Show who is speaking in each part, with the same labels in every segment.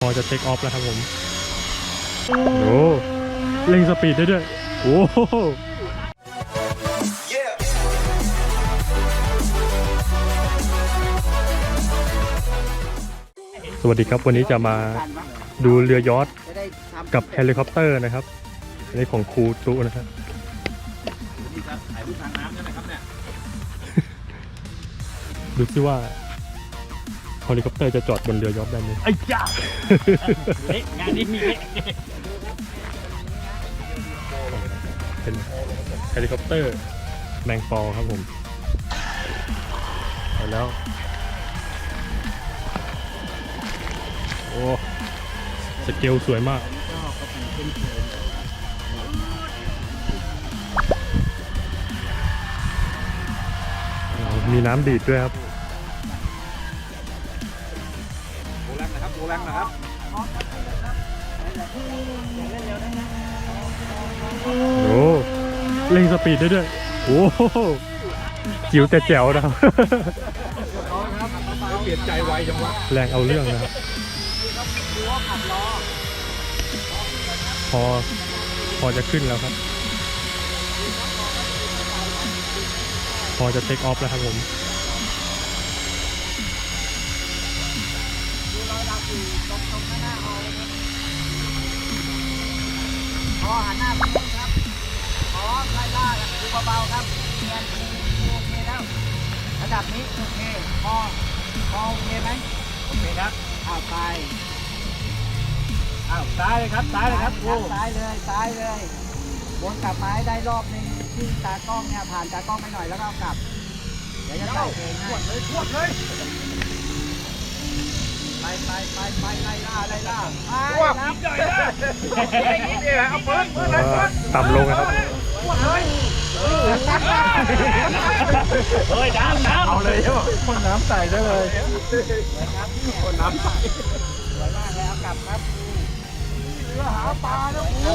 Speaker 1: อจะเทคออฟแล้วครับผมโอ้เร่งสปีดได้ด้วยโอ้สวัสดีครับวันนี้จะมาดูเรือยอชต์กับเฮลิคอปเตอร์นะครับอันนี้ของครูจุนะครับดูซิว่าเฮลิคอปเตอร์จะจอดบนเรือยอชต์ได้ไหมไอ้จ้างานนี้มีเป็นเฮลิคอปเตอร์แมงปอครับผมไปแล้วโอ้สเกลสวยมากมีน้ำดีดด้วยครับโอ้เร่งสปีดได้ด้วยโอ้จิ๋วแต่แจ๋วนะครับ
Speaker 2: เปลี่ยนใจไวจังวะ
Speaker 1: แรงเอาเรื่องนะครับพอจะขึ้นแล้วครับพอจะเทคออฟแล้วครับผม
Speaker 3: หันหน้าไปครับไล่ล่าดูเบาๆครับเนียนโอเคแล้วระดับนี้โอเคพอโอเคไหมโอเคครับซ้ายเลยครับซ้ายเลยครับซ้ายเลยวนกลับมาให้ได้รอบนึงที่ตากล้องเนี่ยผ่านตากล้องไปหน่อยแล้วก็กลับเดี๋ยวจะใส่เพลงให้ขวดเลยไล่ล่าครับใหญ่เลยเอาปืน
Speaker 1: ต่ำลงนะครับ
Speaker 3: เฮ้ยน้ำ
Speaker 2: เอาเลยใช่ป่ะคนน้ำใส่ได้เลยคนน้ำใส่
Speaker 3: สวยมากเลยเอากลับครับเรือหาปลาแล้วกู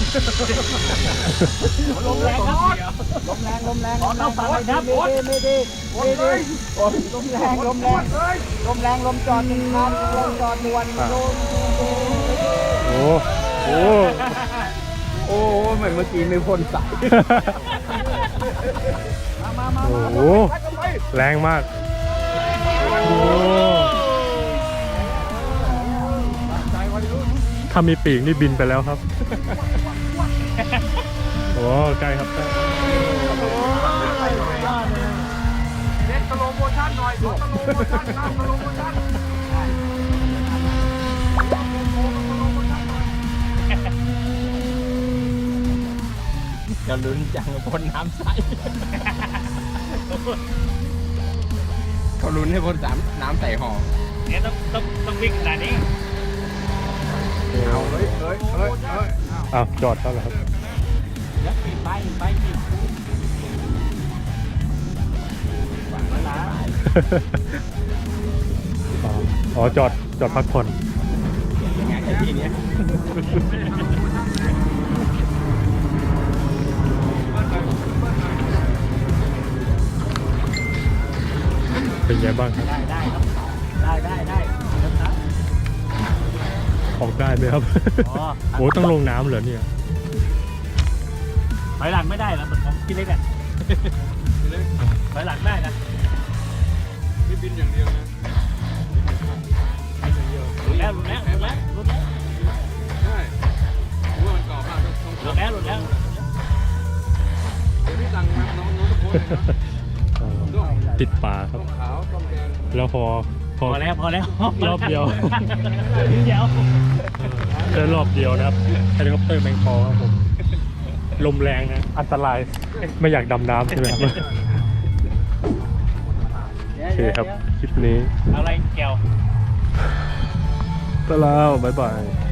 Speaker 3: ลมแรงครับลมแรงต้องปลาไปครับไม่ดีลมแรงลมจอดหนึ่งคันลมจอดด่วน
Speaker 1: โอ้
Speaker 2: เหมือนเมื่อกี้มีคนใส่
Speaker 1: โอ้แรงมากโอ้ถ้ามีปีกนี่บินไปแล้วครับโอ้ใกล้ครับใกล้
Speaker 2: เล่นสโลโมชั่นหน่อยสโลโมชั่นจะลุ้นจังคนน้ำใสเขาลุ้นให้คนน้ำใส่ห่อ
Speaker 3: เนี่ยต้องวิ่งขนาดนี้
Speaker 2: เอาเฮ้ย
Speaker 1: อ้าวจอดแล้วเหรอครับ
Speaker 3: ไปฝังแล้วนะ
Speaker 1: อ๋อจอดพักผ่อน
Speaker 3: งานที่นี้
Speaker 1: เป็นไงบ้างครับ
Speaker 3: ได้ครับได้
Speaker 1: ออกได้ไหมครับโอ้ต้องลงน้ำเหรอเนี่ย
Speaker 3: ถอยหลังไม่ได้นะของพี่เล็กอ่ะถอยหลังได้นะ
Speaker 2: ไม่บินอย่างเดียวนะ
Speaker 3: หลุดแล้ว
Speaker 2: ใช่หัวมันกรอบมากต้อง
Speaker 3: หลุดแล้ว
Speaker 2: เดี๋ยวพี่สั่งน้องทุกคน
Speaker 1: ติดป่าครับ
Speaker 2: ขาวต้มแดง
Speaker 1: แล้วพอ
Speaker 3: แล้ว
Speaker 1: รอบเดียวได้รอบเดียวนะครับเฮลิคอปเตอร์แมงปอครับผมลมแรงนะอันตรายไม่อยากดำน้ำใช่ไหมครับโอเคครับคลิปนี้
Speaker 3: อะไรเกี่ยว
Speaker 1: ไปแล้วบ๊ายบาย